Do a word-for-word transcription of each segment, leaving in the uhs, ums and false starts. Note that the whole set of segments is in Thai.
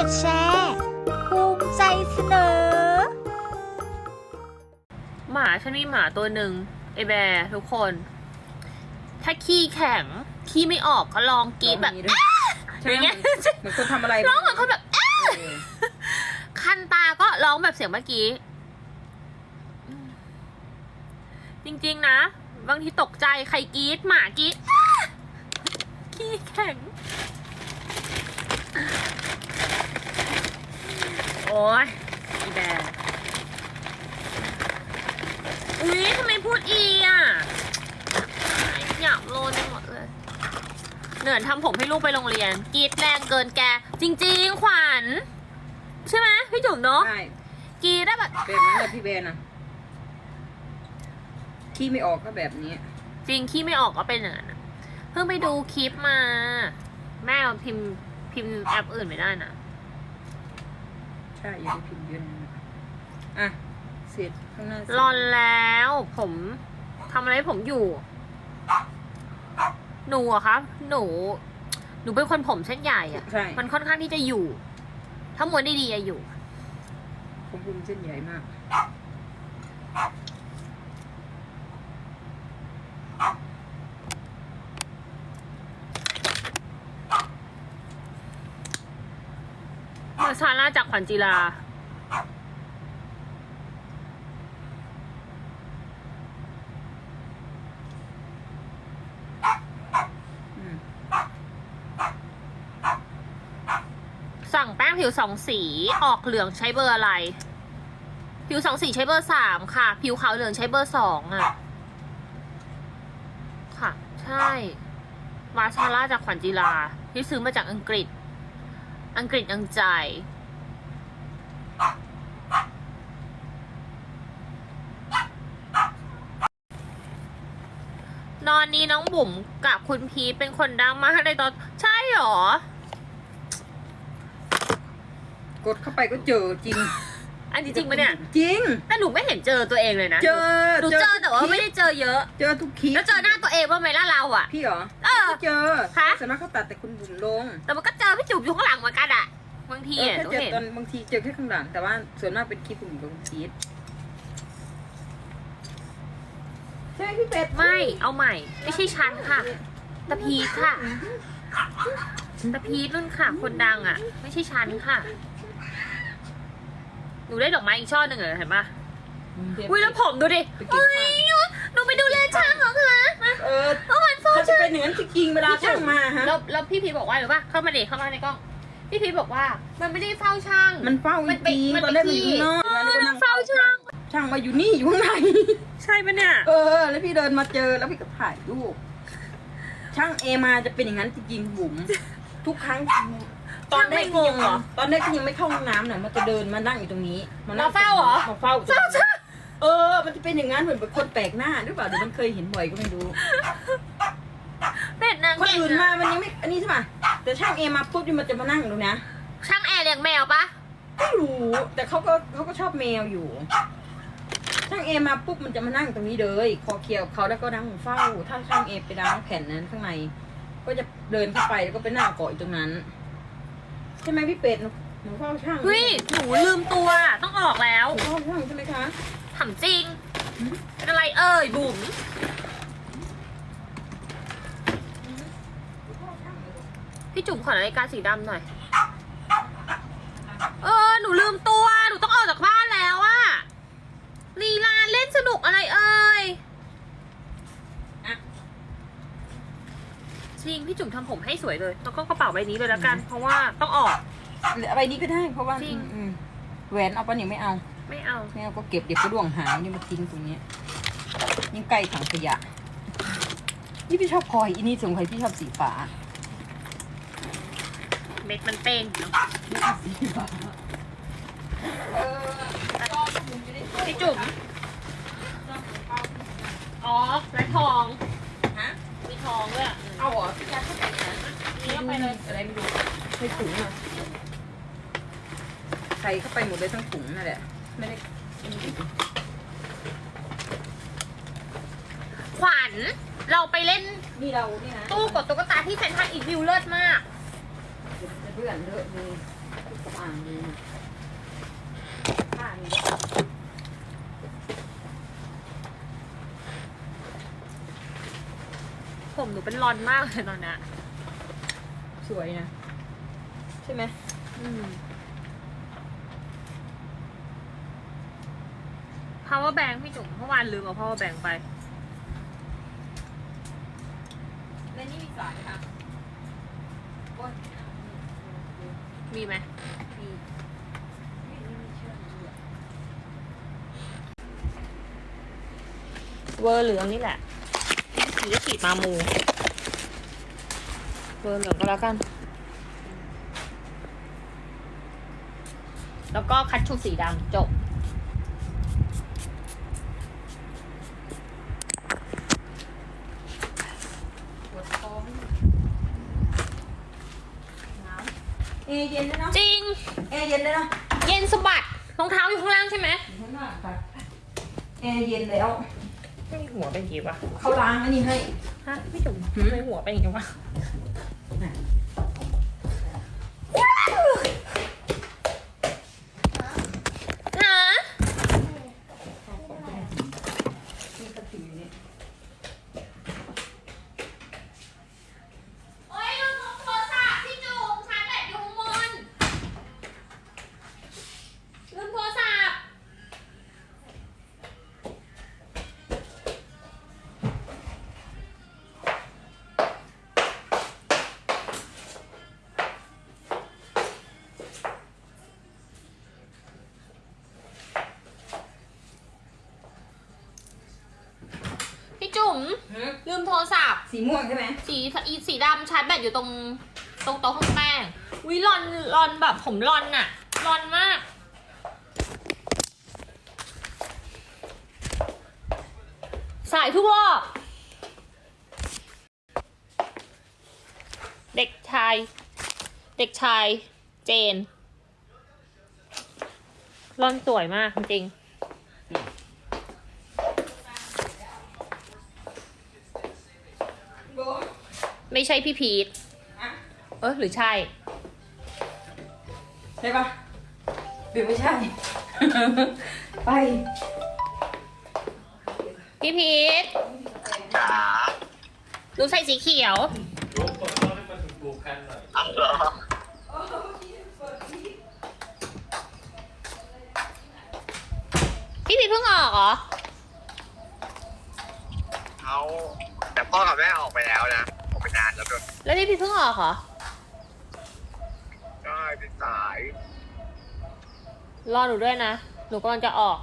ดแชร์ภูมิใจเสนอหมาฉันมีหมาตัวหนึ่งไอแบร์ทุกคน ถ้าขี้แข็งขี้ไม่ออกก็ลองกรีดแบบอย่างเงี้ยเหมือนคนทำอะไรร้องเหมือนคนแบบคันตาก็ร้องแบบเสียงเมื่อกี้จริงๆนะบางทีตกใจใครกรีดหมากรีดขี้แข็งโอ้ยอีแบร์อุ้ยทำไมพูดอีอ่ะอยากโลนไปหมดเลยเหนื่อยทำผมให้ลูกไปโรงเรียนกรีดแรงเกินแกจริงๆขวัญใช่ไหมพี่จุ๋มเนาะใช่กรีดได้แบบแบบนั้นเลยพี่เบนนะขี้ไม่ออกก็แบบนี้จริงขี้ไม่ออกก็เป็นอย่างนั้นเพิ่งไปดูคลิปมาแม่เราพิมพ์พิมพ์แอปอื่นไม่ได้นะใช่ยังพิมพ์เยอะนะอ่ะเสร็จข้างหน้ารอนแล้วผมทำอะไรผมอยู่หนูอะครับหนูหนูเป็นคนผมเส้นใหญ่อะมันค่อนข้างที่จะอยู่ถ้าม้วนดีๆอะอยู่ผมผมเส้นใหญ่มากมาซาร่าจากขวัญจีราสั่งแป้งผิวสองสีออกเหลืองใช้เบอร์อะไรผิวสองสีใช้เบอร์สามค่ะผิวขาวเหลืองใช้เบอร์สองอ่ะค่ะใช่มาซาร่าจากขวัญจีราที่ซื้อมาจากอังกฤษอังกฤษอังใจนอนนี้น้องบุ๋มกับคุณพีเป็นคนดังมากในตอนใช่หรอกดเข้าไปก็เจอจริงอันจริงปะเนี่ยจริงแต่หนูไม่เห็นเจอตัวเองเลยนะเจอหนูเจอแต่ว่าไม่ได้เจอเยอะเจอทุกคลิปแล้วเจอหน้าตัวเองว่าไหมล่ะเราอ่ะพี่เหรอเออเจอคะส่วนมากเขาตัดแต่คุณบุ๋มลงแต่มันก็เจอพี่จุ๋มอยู่ข้างหลังเหมือนกันอ่ะบางทีอ่ะหนูเห็นตอนบางทีเจอแค่ข้างหลังแต่ว่าส่วนมากเป็นคลิปคุณบุ๋มลงคลิปใช่พี่เป็ดไม่เอาใหม่ไม่ใช่ฉันค่ะตะพีค่ะตะพีนุ่นค่ะคนดังอ่ะไม่ใช่ฉันค่ะหนูได้ดอกไม้อีกช่อหนึ่งเหรอเห็นปะอุ้ยแล้วผมดูดิอุ้ยหนูไปดูแลช่างเหรอคะเออเอาหันโฟเขาจะเป็นเหนือนจริงเวลาช่างมาฮะแล้วแล้วพี่พีบอกว่าหรือปะเข้ามาเด็กเข้ามาในกล้องพี่พีบอกว่ามันไม่ได้เฝ้าช่างมันเฝ้าจริงตอนแรกมันอยู่นอกมันเฝ้าช่างช่างมาอยู่นี่อยู่ข้างในใช่ปะเนี่ยเออแล้วพี่เดินมาเจอแล้วพี่ก็ถ่ายรูปช่างเอมาจะเป็นอย่างนั้นจริงๆบุ๋มทุกครั้งตอนแรกยังเหรอตอนแรกก็ยังไม่เข้าห้องน้ำเนี่ยมันจะเดินมานั่งอยู่ตรงนี้มาเฝ้าเหรอมาเฝ้าเฝ้าช่างเออมันจะเป็นอย่างนั้นเหมือนเป็นคนแปลกหน้าหรือเปล่าเดี๋ยวมันเคยเห็นบ่อยก็ไม่รู้เป็ดนางคนอื่นมามันยังไม่อันนี้ใช่ป่ะแต่ช่างเอมาปุ๊บนี่มันจะมานั่งตรงนี้ช่างแอร์เลี้ยงแมวปะไม่รู้แต่เขาก็เขาก็ชอบแมวอยู่ช่างเอมาปุ๊บมันจะมานั่งตรงนี้เลยคอเคียวเขาแล้วก็นั่งเฝ้าถ้าช่างเอไปล้างแผ่นนั้นข้างในก็จะเดินเข้าไปแล้วก็ไปนั่งเกาะอยู่ตรงนั้นใช่ไหมพี่เป็ดหนูเฝ้าช่างเฮ้ยหนูลืมตัวต้องออกแล้วเฝ้าช่างใช่ไหมคะถามจริงเป็นอะไรเอ่ยบุ๋มพี่จุ๋มขอนาฬิกาสีดำหน่อยเออหนูลืมตัวหนูต้องออกจากบ้านแล้วอะลีลาเล่นสนุกอะไรเอ่ยจริงพี่จุ๋มทำผมให้สวยเลยแล้วก็กระเป๋าใบนี้เลยแล้วกันเพราะว่าต้องออกใบนี้ก็ได้เพราะว่าจริงแหวนเอาปะเนี่ยไม่เอาไม่เอาไม่เอาก็เก็บเดี๋ยวก็ด่วงหายนี่มาทิ้งตรงนี้ยิ่งใกล้ถังขยะนี่พี่ชอบพลอยอีนี่สงสัยพี่ชอบสีฟ้าเม็ดมันเต้งเนาะพี่จุ๋มอ๋อและทองฮะมีทองด้วยเอาเหรอพี่ยัดเข้าไปนะนี่เข้าไปเลยอะไรไม่รู้ใส่ถุงอ่ะใส่เข้าไปหมดเลยทั้งถุงนั่นแหละไม่ได้ขวัญเราไปเล่นนี่เราเนี่ยนะตู้กดตุ๊กตาที่เซ็นทรัลอีกวิวเลิศมากเพื่อนเลิศมีอ่างเลยนะผ้านี่ผมหนูเป็นรอนมากเลยตอนเนี้ยสวยนะ ใช่ไหมอืม power bank พี่จุ๋มเมื่อวานลืมเอา power bank ไปและนี่มีสายค่ะโอ้ยมีไหมมีไม่ไม่มีเชือกเลยอะเวอร์เหลืองนี่แหละหรือฉีดมามูเวอร์เหลืองก็แล้วกัน แล้วก็คัตชูสีดำจบปวดคอไม่มีหนาวเอเย็นเลยเนาะจริงเอเย็นเลยเนาะเย็นสะบัดรองเท้าอยู่ข้างล่างใช่ไหมอยู่ข้างหน้าค่ะแอร์เย็นแล้วไม่หัวเป็นอย่างงี้วะเขาล้างอันนี้ให้ฮะพี่จุ๋มหืมไม่หัวเป็นอย่างงี้วะน่ะฮะมีกระถิ่นอยู่นี่โอ๊ยลืมโทรศัพท์พี่จุ๋มชาร์จแบตอยู่ข้างบนลืมโทรศัพท์พี่จุ๋มหืมลืมโทรศัพท์สีม่วงใช่ไหมสีอีสีดำชาร์จแบตอยู่ตรงตรงโต๊ะข้างแป้งวิรอนรอนแบบผมรอนอะรอนมาก สายทุกรอบ เด็กชาย เด็กชาย เจนรอนสวยมากจริงโบๆไม่ใช่พี่พีทอ่ะเออหรือใช่ใช่ปะหรือไม่ใช่ ไปพี่พีทจ๋าหนูใส่สีเขียวลูกกดเข้าให้มันถูกๆกันหน่อยเอาเหรอพี่พีทเพิ่งออกเหรอเขาแต่พ่อกับแม่ออกไปแล้วนะ ออกไปนานแล้วด้วยแล้วพี่พีทเพิ่งออกเหรอก็เป็นสายรอหนูด้วยนะ หนูกำลังจะออก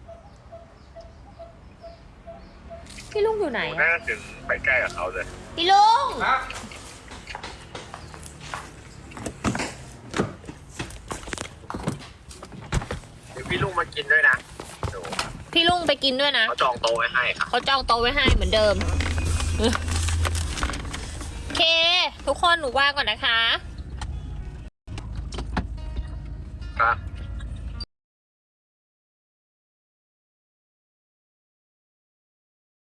พี่ลุงอยู่ไหนน่าอะจะถึงไปใกล้กับเขาเลยพี่ลุงครับเดี๋ยวพี่ลุงมากินด้วยนะดูพี่ลุงไปกินด้วยนะเขาจองโต๊ะไว้ให้ครับเขาจองโต๊ะไว้ให้เหมือนเดิม โอเค ทุกคนหนูว่างก่อนนะคะครับ